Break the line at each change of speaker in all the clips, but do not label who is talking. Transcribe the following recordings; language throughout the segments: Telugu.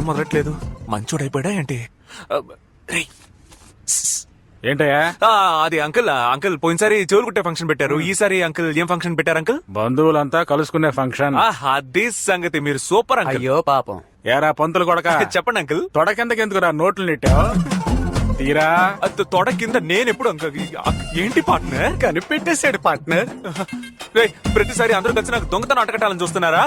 పని మొదలట్లేదు. మంచోడైపోయాడా ఏంటి? రేయ్.
ఏంటయ్యా?
అది అంకుల్ పోయినసారి చెవులు కుట్టే ఫంక్షన్ పెట్టారు. ఈసారి అంకుల్ ఏం ఫంక్షన్ పెట్టారు అంకుల్?
బంధువులంతా కలుసుకునే ఫంక్షన్.
అదే సంగతి. మీరు సూపర్ అంకుల్.
అయ్యో పాపం.
ఏరా పంతులు కొడక,
చెప్పండి అంకుల్.
తొడ కిందకెందుకురా నోట్లు నెట్టావు? తీరా
తొడ కింద నేను ఎప్పుడు అంకుల్? ఏంటి పార్ట్నర్?
కనిపెట్టేశాడు పార్ట్నర్.
ప్రతిసారి అందరూ కలిసి నాకు దొంగతనం అటకట్టాలని చూస్తున్నారా?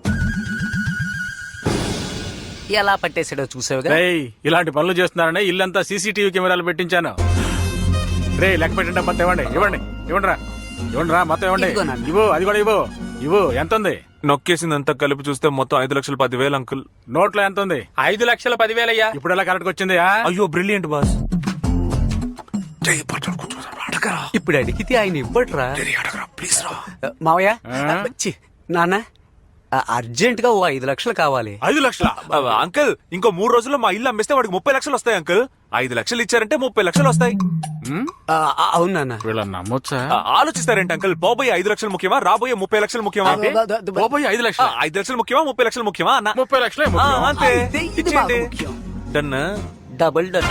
ఎలా పట్టేశాడో చూసావుగా.
రేయ్, ఇలాంటి పనులు చేస్తున్నారని ఇల్లంతా సీసీటీవీ కెమెరాలు పెట్టించాను. రే లెక్క పెట్టండి. మొత్తం ఇవ్వండి ఇవ్వండి మొత్తం ఇవ్వండి. ఇవ్వు, అది కూడా ఇవ్వు. ఎంత ఉంది?
నొక్కేసిందంతా కలిపి చూస్తే మొత్తం 5,10,000 అంకుల్.
నోట్లో ఎంత ఉంది?
5,10,000 అయ్యా.
ఇప్పుడు ఎలా కరెక్ట్ వచ్చింది?
అయ్యో బ్రిలియంట్ బాస్.
ఇప్పుడు అడిగితే ఆయన ఇవ్వట్రా.
ప్లీజ్ రా
మావయ్య. నాన్న అర్జెంట్ గా 5 లక్షలు కావాలి.
5 లక్షల?
అంకుల్ ఇంకో 3 రోజుల్లో మా ఇల్లు అమ్మేస్తే వాడికి 30 లక్షలు వస్తాయి అంకుల్. 5 లక్షలు ఇచ్చారంటే 30 లక్షలు వస్తాయి.
అవును నాన్న.
వీళ్ళని నమ్మొచ్చా?
ఆలోచిస్తారేంటి అంకుల్? పోబోయే 5 లక్షలు ముఖ్యమా, రాబోయే 30 లక్షలు ముఖ్యమా?
పోయి 5 లక్షలు.
5 లక్షలు ముఖ్యమా, 30 లక్షలు ముఖ్యమా అన్న?
30 లక్షలే
అంతే.
ఇది బాగా
ఇచ్చేయండి.
ముఖ్యం.
డన్.
Double done.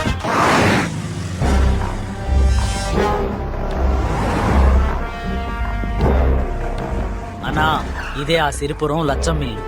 అన్నా ఇదే ఆ సిరిపురం లచ్చం మిల్లు.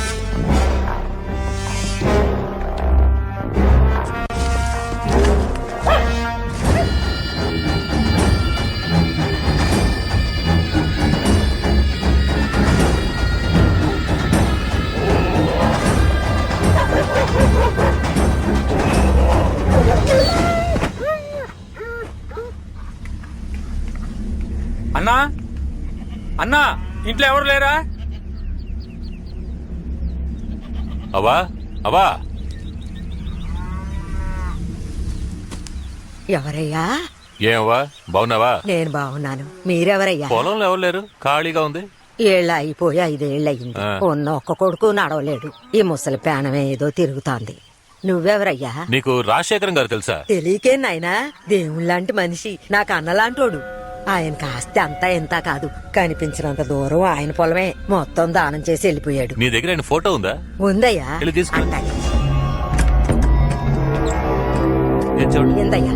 అన్నా ఇంట్లో ఎవరు లేరా?
అవా
ఎవరయ్యా?
ఏమవ్వా బాగున్నావా?
నేను బాగున్నాను. మీరెవరయ్యా?
పొలంలో ఎవరు లేరు, ఖాళీగా ఉంది.
ఏళ్ళు అయిపోయి 5 ఏళ్ళయింది. ఉన్న ఒక్క కొడుకు నడవలేడు. ఈ ముసలి పేనమే ఏదో తిరుగుతోంది. నువ్వెవరయ్యా?
నీకు రాజశేఖరం గారు తెలుసా?
తెలియకే నాయనా, దేవుళ్ళంటి మనిషి, నాకు అన్నలాంటోడు. ఆయన కాస్త అంతా ఎంత కాదు, కనిపించినంత దూరం ఆయన పొలమే. మొత్తం దానం చేసి వెళ్ళిపోయాడు.
నీ దగ్గర ఆయన ఫోటో ఉందా?
ఉందయ్యా.
వెళ్ళి తీసుకో.
అంటాయి.
ఏం చూడు.
ఏందయ్యా?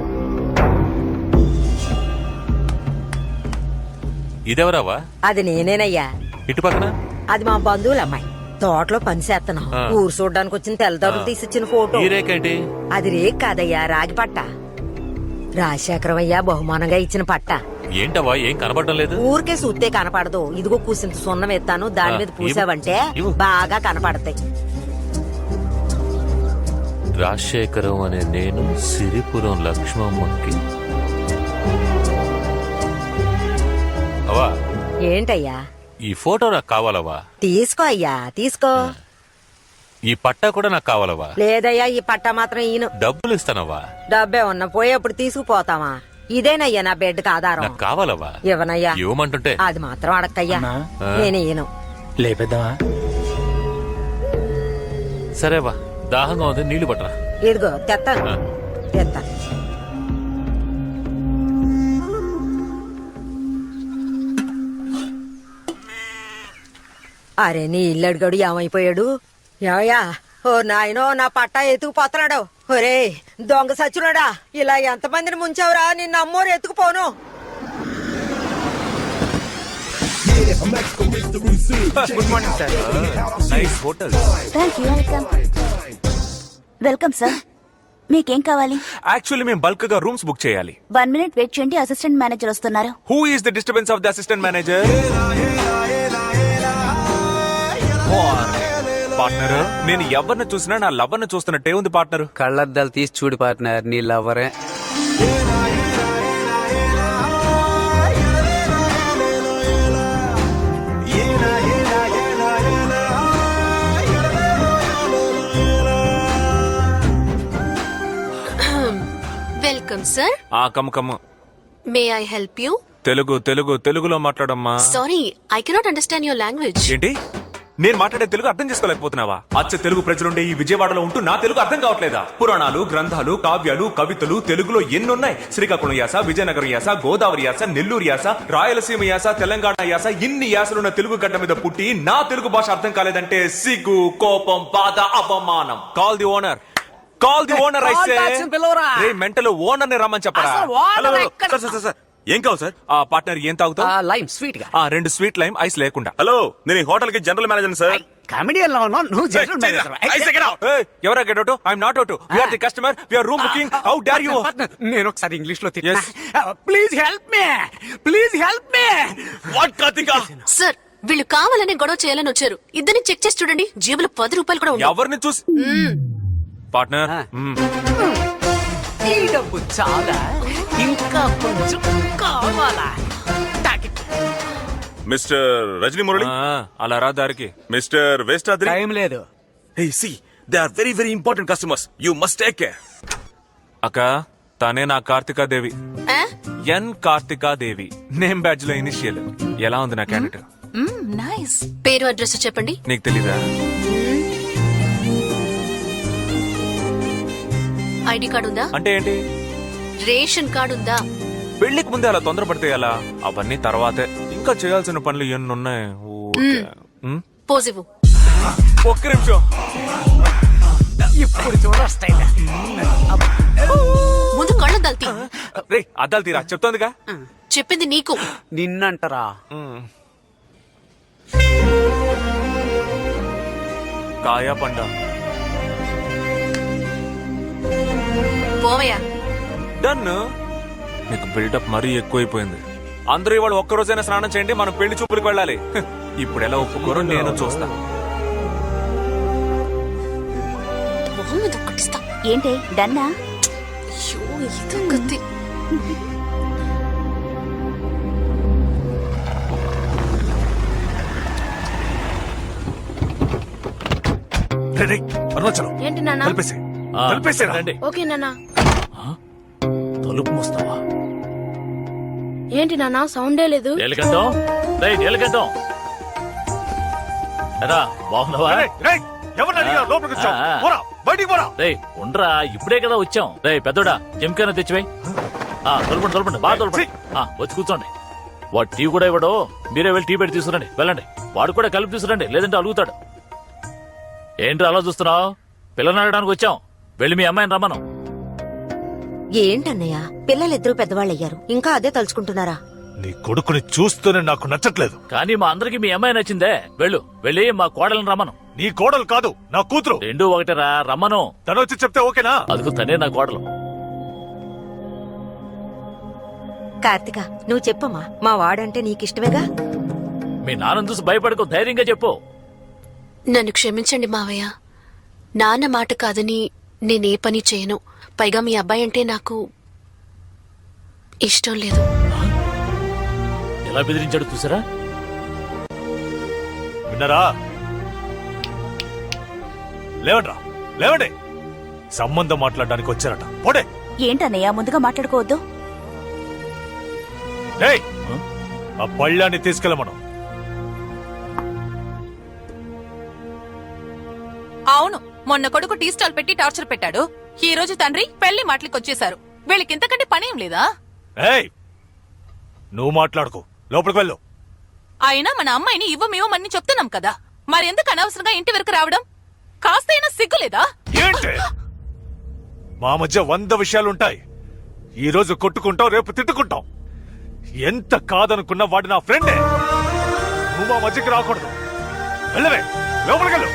ఇదెవరావా?
అది నేనేనయ్యా.
ఇటు పక్కన
అది మా బంధువుల అమ్మాయి. తోటలో పని చేస్తున్నాం. ఊరు చూడడానికి వచ్చిన తెల్లదారులు తీసిచ్చిన ఫోటో.
ఈ రేకేంటి?
అది రేక్ కాదయ్యా, రాగి పట్ట. రాజశేఖరం అయ్యా బహుమానంగా ఇచ్చిన పట్ట.
ఏంటవా ఏం కనబడటం లేదు?
ఊరికే చూస్తే కనపడదు. ఇదిగో కూసింత సున్నం ఎత్తాను, దాని మీద పూసావంటే బాగా కనపడతాయి.
రాజశేఖరం అనే నేను సిరిపురం లక్ష్మమ్మకి. అవా
ఏంటయ్యా?
ఈ ఫోటో నాకు కావాలవా?
తీసుకో అయ్యా, తీసుకో.
ఈ పట్టా కూడా నాకు కావాలవా?
లేదయ్యా, ఈ పట్ట మాత్రం ఈయన.
డబ్బులు ఇస్తానవా?
డబ్బే ఉన్న పోయేప్పుడు తీసుకుపోతావా? ఇదేనయ్యా నా బెడ్కి ఆధారం.
నాకు కావాలవా?
ఇవ్వనయ్యా.
ఇవ్వమంటుంటే
అది మాత్రం అడక్కయ్యా. నేను ఈయను.
లేపేద్దామా?
సరేవా, దాహంగా ఉంది, నీళ్లు పట్టరా.
ఇదిగో తెత్తాను, తెత్తాను. అరే నీ ఇల్లు అడిగాడు ఏమైపోయాడు? ఏమయ్యా? ఓ నాయనో, నా పట్టా ఎత్తుకుపోతున్నాడు. ఒరే దొంగ సచ్చునాడా, ఇలా ఎంతమందిని ముంచావురా? నిన్ను అమ్మోరు ఎత్తుకుపోను.
Good morning sir.
Nice hotel.
Welcome sir. మీకేం కావాలి?
యాక్చువల్లీ మేము బల్క్ గా రూమ్స్ బుక్ చేయాలి.
1 మినిట్ వెయిట్ చేయండి, అసిస్టెంట్ మేనేజర్ వస్తున్నారు.
Who is the disturbance of the assistant manager? Partner, నేను ఎవరిని చూసినా నా లవ్వర్ని చూస్తున్నట్టే ఉంది పార్ట్నర్.
కళ్ళద్దాలు తీసి చూడు పార్ట్నర్, నీ లవ్వరే.
Welcome sir.
కమ్ము
మే ఐ హెల్ప్ యూ?
తెలుగులో మాట్లాడమ్మా.
Sorry, I cannot understand your language.
ఏంటి? నేను మాట్లాడే తెలుగు అర్థం చేసుకోలేకపోతున్నావా? అచ్చ తెలుగు ప్రజలుండే ఈ విజయవాడలో ఉంటూ నా తెలుగు అర్థం కావట్లేదా? పురాణాలు, గ్రంథాలు, కావ్యాలు, కవితలు తెలుగులో ఎన్నున్నాయి. శ్రీకాకుళం యాస, విజయనగరం యాస, గోదావరి యాస, నెల్లూరు యాస, రాయలసీమ యాస, తెలంగాణ యాస, ఇన్ని యాసలున్న తెలుగు గడ్డ మీద పుట్టి నా తెలుగు భాష అర్థం కాలేదంటే సిగ్గు, కోపం, బాధ, అవమానం. Call the owner, call the owner. అయితే మెంటల్ ఓనర్ ని రమ్మని చెప్పరా?
హలో సార్ సార్ సార్ ఏం కావాలి సార్?
ఆ పార్ట్నర్ ఏం తాగుతావు?
లైమ్ స్వీట్ గా
2 స్వీట్ లైమ్ ఐస్ లేకుండా.
హలో నేను ఈ హోటల్ కి జనరల్ మేనేజర్ సార్.
కామెడియన్ లో ఉన్నావు నువ్వు జనరల్ మేనేజర్.
ఎవరా get out? I'm not out. We are the customer, we are room booking. How dare you?
నేను ఒకసారి ఇంగ్లీష్ లో
Yes.
Please help me, please help me.
What Karthika?
Sir వీళ్ళు కావాలనే గొడవ చేయాలని వచ్చారు. ఇద్దరిని చెక్ చేసి చూడండి, జేబులో 10 రూపాయలు కూడా ఉండవు.
ఎవరిని చూసి? పార్ట్నర్
ఈ డబ్బు చాలా, ఇంకా కొంచెం కావాలా?
మిస్టర్ రజనీ మురళి,
అలా రా దారికి.
మిస్టర్ వేస్టాద్రి.
టైం లేదు.
Hey see they are very very important customers, you must take care.
అక్క తనే నా కార్తికాదేవి.
ఆ?
ఎన్ కార్తికాదేవి. నేమ్ బ్యాడ్జ్ లో ఇనిషియల్. ఎలా ఉంది నా క్యాండిడేట్?
నైస్.
పేరు అడ్రస్ చెప్పండి.
నీకు తెలీదా?
ఐడి కార్డు ఉందా?
అంటే ఏంటి?
రేషన్ కార్డు ఉందా?
పెళ్లికి ముందే అలా తొందరపడితే ఎలా? అవన్నీ తర్వాతే. ఇంకా చేయాల్సిన పనులు ఎన్ని ఉన్నాయి.
పోజివు.
ఒక్క నిమిషం.
ఇప్పుడు చూడొస్తాయి.
ముందు కళ్ళు దల్తి.
రే అద్దాలు తీరా చెప్తోందిగా.
చెప్పింది నీకు.
నిన్నంటారా?
కాయా పండ.
పోవయ్యా.
డన్. నీకు బిల్డప్ మరీ ఎక్కువైపోయింది. అందరూ ఇవాళ ఒక్కరోజైనా స్నానం చేయండి, మనం పెళ్లి చూపులకు వెళ్ళాలి. ఇప్పుడు ఎలా ఒప్పుకోరో నేను చూస్తా.
మొహం మీద ఒక్కటిస్తా.
ఏంటి డన్నా?
అయ్యో ఇదొక్కటి.
అరుణాచలం
ఏంటి నాన్న?
కలిపేసేరా.
ఓకే నాన్న.
తలుపు మూస్తావా?
ఏంటి నాన్న సౌండే లేదు?
నీలకంఠం, రేయ్ నీలకంఠం, ఎరా బాగున్నావా? రేయ్ ఉండరా, ఇప్పుడే కదా వచ్చాం. రేయ్ పెద్దోడా జంకైనా తెచ్చివే. తొలపండి తొలపండి, బాగా తొలపండి. వచ్చి కూర్చోండి. వాడు టీ కూడా ఇవ్వడు, మీరే వెళ్ళి టీ పెట్టి తీసుకురండి. వెళ్ళండి. వాడు కూడా కలిపి తీసుకురండి, లేదంటే అలుగుతాడు. ఏంటి అలా చూస్తున్నావు? పిల్లని అడగడానికి వచ్చాం. వెళ్ళి మీ అమ్మాయిని రమ్మను.
ఏంటన్నయ్య, పిల్లలిద్దరూ పెద్దవాళ్ళయ్యారు, ఇంకా అదే తలుచుకుంటున్నారా?
నీ కొడుకుని చూస్తూనే నాకు నచ్చట్లేదు.
కానీ మా అందరికి మీ అమ్మాయి నచ్చిందే. వెళ్ళి మా కోడలను రమ్మను.
నీ కోడలు కాదు, నా కూతురు.
రెండూ ఒకటేరా, రమ్మను.
తను వచ్చి చెప్తే ఓకేనా?
అదుకు తనే నా కోడలు.
కార్తిక నువ్వు చెప్పమ్మా, మా వాడంటే నీకిష్టమేగా?
మీ నాన్న చూసి భయపడకు, ధైర్యంగా చెప్పు.
నన్ను క్షమించండి మావయ్య. నాన్న మాట కాదని నేనే పని చేయను. పైగా మీ అబ్బాయి అంటే నాకు ఇష్టం లేదు.
ఎలా బెదిరించాడు చూసారా?
విన్నారా? లేవండ్రా, లేవండి. సంబంధం మాట్లాడడానికి వచ్చారట. పోడే.
ఏంటన్నయ్య ముందుగా మాట్లాడుకోవద్దు.
ఏయ్, ఆ పళ్ళాన్ని తీసుకెళ్ళమను.
అవును, మొన్న కొడుకు టీ స్టాల్ పెట్టి టార్చర్ పెట్టాడు. ఈ రోజు తండ్రి పెళ్లి మాటలకి వచ్చేశారు. వీళ్ళకి ఇంతకంటే పనేం లేదా?
ఏయ్, నువ్వు మాట్లాడుకో, లోపలికి వెళ్ళు.
అయినా మన అమ్మాయిని ఇవ్వమేమని చెప్తున్నాం కదా, మరెందుకు అనవసరంగా ఇంటి వరకు రావడం? కాస్తైనా సిగ్గులేదా?
ఏంటి? మా మధ్య 100 విషయాలుంటాయి. ఈ రోజు కొట్టుకుంటాం, రేపు తిట్టుకుంటాం. ఎంత కాదనుకున్నా వాడు నా ఫ్రెండే. నువ్వు మా మధ్యకి రాకూడదు. వెళ్ళవే, లోపలికి వెళ్ళు.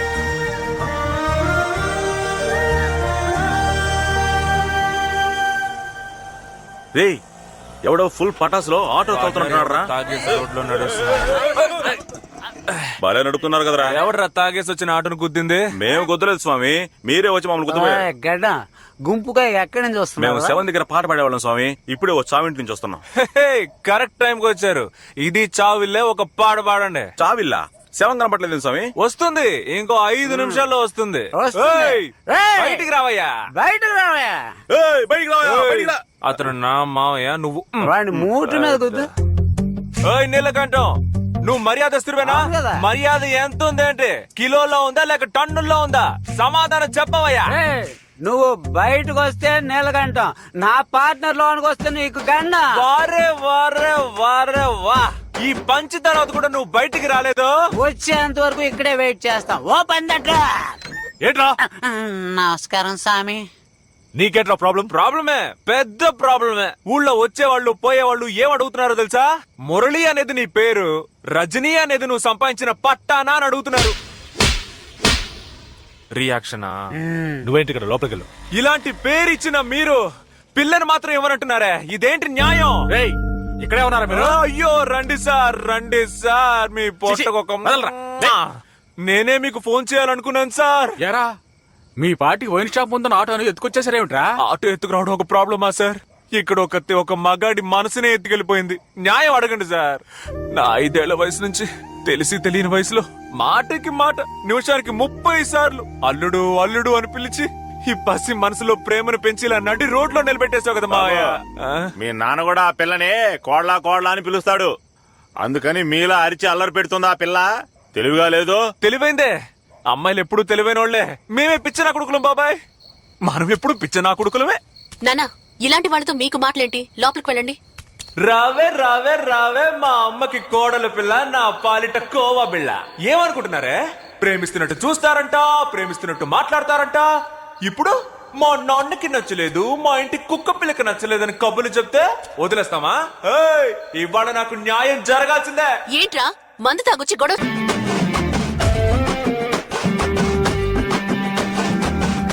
రే ఎవడో ఫుల్ పటాస్ లో ఆటో తోలుతున్నాడు రా.
తాగేసి రోడ్లో నడుస్తున్నాడు.
బాగా నడుపుతున్నారు కదరా.
ఎవడరా తాగేసి వచ్చిన ఆటోను గుద్దింది?
మేము గుద్దలేదు స్వామి, మీరే వచ్చి మమ్మల్ని గుద్దపోయారు.
గడ్డ గుంపుగా ఎక్కడి నుంచి
మేము
వస్తున్నావు?
7 దగ్గర పాట పాడేవాళ్ళం స్వామి, ఇప్పుడే వచ్చి చావింటి నుంచి వస్తున్నాం.
కరెక్ట్ టైం కి వచ్చారు. ఇది చావిల్లే, ఒక పాట పాడండి.
చావిల్లా 7 కనపట్లేదు స్వామి.
వస్తుంది, ఇంకో 5 నిమిషాల్లో వస్తుంది.
వస్తుంది.
ఏయ్,
ఏయ్,
బయటికి రావయ్యా.
బయటకు రావయ్యా.
ఏయ్, బయటికి రావయ్యా, బయటికి రా.
అతను నా మావయ్య, నువ్వు
వాడిని మూట మీద కుద్దు.
నీలకంఠం, నువ్వు మర్యాదస్తుడివేనా?
అవును కదా.
మర్యాద ఎంత ఉందేంటి? కిలోలో ఉందా లేక టన్నుల్లో ఉందా? సమాధానం చెప్పవయ్యా.
ఏయ్, నువ్వు బయటకు వస్తే నీలగంటం, నా పార్ట్నర్ లోనికి వస్తే నీకు గండ.
వారే వారే వారే వా, ఈ పంచి తర్వాత కూడా నువ్వు బయటికి రాలేదు.
వచ్చేంత వరకు ఇక్కడే వెయిట్ చేస్తాం. ఓ పందట్రా.
ఏంట్రా
నమస్కారం స్వామి.
నీకేంట్రా ప్రాబ్లం?
ప్రాబ్లమే, పెద్ద ప్రాబ్లమే. ఊళ్ళో వచ్చేవాళ్ళు పోయేవాళ్ళు ఏం అడుగుతున్నారో తెలుసా? మురళి అనేది నీ పేరు, రజనీ అనేది నువ్వు సంపాదించిన పట్టానా అని అడుగుతున్నారు. రియాక్షనా?
నువ్వేంటి ఇక్కడ లోపలికి వెళ్ళు.
ఇలాంటి పేరు ఇచ్చిన మీరు పిల్లని మాత్రం ఇవ్వనంటున్నారే, ఇదేంటి న్యాయం?
రేయ్ ఇక్కడే ఉన్నారా మీరు?
అయ్యో రండి సార్, మీ పొట్టకొక
వదలరా.
నేనే మీకు ఫోన్ చేయాలనుకున్నాను సార్.
ఎరా మీ పార్టీ వైన్ షాప్ ముందున్న ఆటోను ఎత్తుకొచ్చేసారేమిట్రా?
ఆటో ఎత్తుకురావడం ఒక ప్రాబ్లమా సార్? ఇక్కడ ఒక మగాడి మనసునే ఎత్తుకెళ్ళిపోయింది. న్యాయం అడగండి సార్. నా 5 ఏళ్ల వయసు నుంచి తెలిసి తెలియని వయసులో మాటకి మాట నిమిషానికి 30 సార్లు అల్లుడు అల్లుడు అని పిలిచి ఈ పసి మనసులో ప్రేమను పెంచి ఇలా నడి రోడ్లో నిలబెట్టేశావు కదా మావయ్య.
మీ నాన్న కూడా ఆ పిల్లని కోడ్లా కోడ్లా అని పిలుస్తాడు. అందుకని మీలా అరిచి అల్లరి పెడుతుంది ఆ పిల్ల. తెలివిగా లేదు.
తెలివైందే. అమ్మాయిలు ఎప్పుడు తెలివైన వాళ్లే. మేమే పిచ్చనా కొడుకులం బాబాయ్. మనం ఎప్పుడు పిచ్చనా కొడుకులమే.
నానా ఇలాంటి వాళ్ళతో మీకు మాటలేంటి? లోపలికి వెళ్ళండి.
రావే రావే రావే మా అమ్మకి కోడల పిల్ల, నా పాలిట కోవా బిళ్ళ. ఏమనుకుంటున్నారే? ప్రేమిస్తున్నట్టు చూస్తారంట, ప్రేమిస్తున్నట్టు మాట్లాడతారంట. ఇప్పుడు మా నాన్నకి నచ్చలేదు, మా ఇంటి కుక్క పిల్లకి నచ్చలేదని కబుర్లు చెప్తే వదిలేస్తామా? ఏయ్, ఇవాళ నాకు న్యాయం జరగాల్సిందే.
ఏంట్రా మందు తాగొచ్చి గొడవ